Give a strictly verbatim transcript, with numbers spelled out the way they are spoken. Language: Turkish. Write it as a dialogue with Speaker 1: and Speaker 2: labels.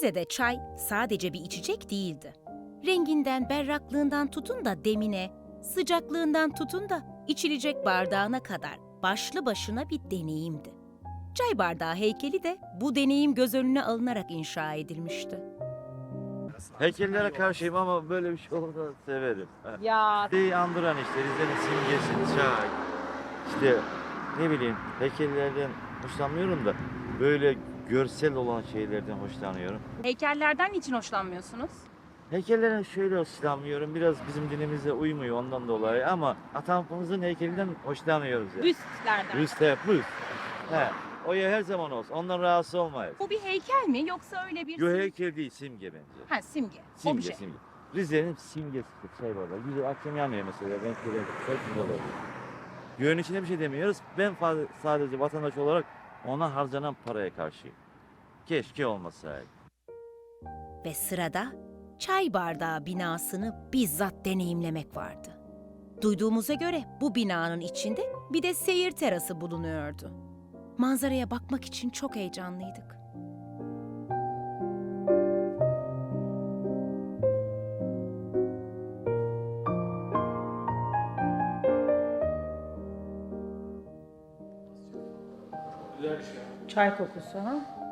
Speaker 1: Rize'de çay sadece bir içecek değildi. Renginden, berraklığından tutun da demine, sıcaklığından tutun da içilecek bardağına kadar başlı başına bir deneyimdi. Çay bardağı heykeli de bu deneyim göz önüne alınarak inşa edilmişti.
Speaker 2: Heykellere karşıyım ama böyle bir şey olursa severim.
Speaker 3: Ya
Speaker 2: Rize'yi andıran işte Rize'nin simgesi, çay. İşte ne bileyim heykellerden hoşlanmıyorum da böyle görsel olan şeylerden hoşlanıyorum.
Speaker 3: heykellerden niçin hoşlanmıyorsunuz?
Speaker 2: Heykellerden şöyle hoşlanmıyorum, biraz bizim dinimize uymuyor ondan dolayı ama atamızın heykelinden hoşlanıyoruz yani.
Speaker 3: Büstlerden.
Speaker 2: Rüste, büst. He, o ya her zaman olsun, ondan rahatsız olmayız.
Speaker 3: Bu bir heykel mi yoksa öyle bir...
Speaker 2: Yo heykel değil, simge bence.
Speaker 3: Ha simge.
Speaker 2: Simge,
Speaker 3: Obje.
Speaker 2: simge. Rize'nin simgesi şey var. Güzel akşam yanıyor mesela. Ben şöyle çok güzel oluyor. Görünüşüne bir şey demiyoruz. Ben fa- sadece vatandaş olarak ona harcanan paraya karşıyım. Keşke olmasaydı.
Speaker 1: Ve sırada çay bardağı binasını bizzat deneyimlemek vardı. Duyduğumuza göre bu binanın içinde bir de seyir terası bulunuyordu. Manzaraya bakmak için çok heyecanlıydık.
Speaker 3: Çay kokusu ha?